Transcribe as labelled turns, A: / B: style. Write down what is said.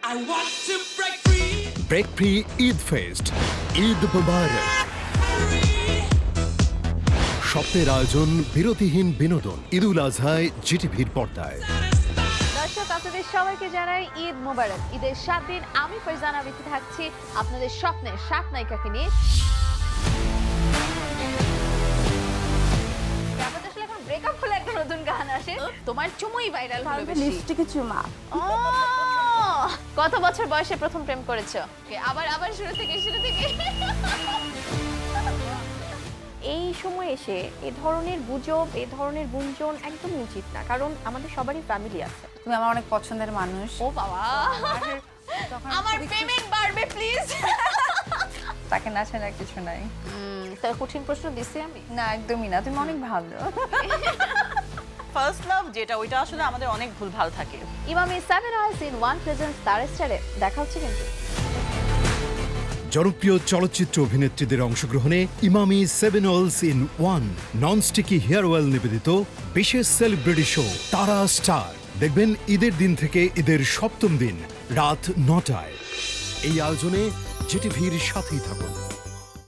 A: I want to break free.
B: Break free Eid fest, Eid মুবারক। স্বপ্নের আয়োজন, বিরতিহীন বিনোদন। ঈদুল আজহায় জিটিভির পর্দায়।
C: দর্শক, আপনাদের সবাইকে জানাই ঈদ মোবারক। ঈদের 7 দিন আমি ফারজানা বিথি থাকছি আপনাদের স্বপ্নের 7 নায়িকাকে নিয়ে। ব্যাপারটা আসলে এখন ব্রেকআপ হলে একটা নতুন গান আসে, তোমার চুমুই ভাইরাল হলো বেশি।
D: লিপস্টিকে চুমা।
C: কত বছর বয়সে প্রথম প্রেম করেছো? আবার শুরু থেকে।
D: এই সময় এসে এ ধরনের গুজব, এ ধরনের গুঞ্জন একদমই উচিত না, কারণ আমাদের সবারই ফ্যামিলি আছে।
E: তুমি আমার অনেক পছন্দের মানুষ।
C: ও বাবা, আমার পেমেন্ট বাড়বে প্লিজ।
E: তাকে না ছাড়া আর কিছু নাই।
C: তার কঠিন প্রশ্ন দিছি আমি?
E: না, একদমই না, তুমি অনেক ভালো।
F: ফার্স্ট লাভ যেটা, ওইটা আসলে আমাদের অনেক ভুলভাল থাকে।
C: Emami 7 hours in 1 presence star স্টারে দেখা হচ্ছে কিন্তু।
B: জনপ্রিয় চলচ্চিত্র অভিনেত্রীদের অংশগ্রহণে Emami 7 hours in 1 non-sticky hair oil নিবেদিত বিশেষ সেলিব্রিটি শো তারা স্টার। দেখবেন ঈদের দিন থেকে ঈদের 7ম দিন রাত 9টায়। এই আয়োজনে জিটিভির সাথেই থাকুন।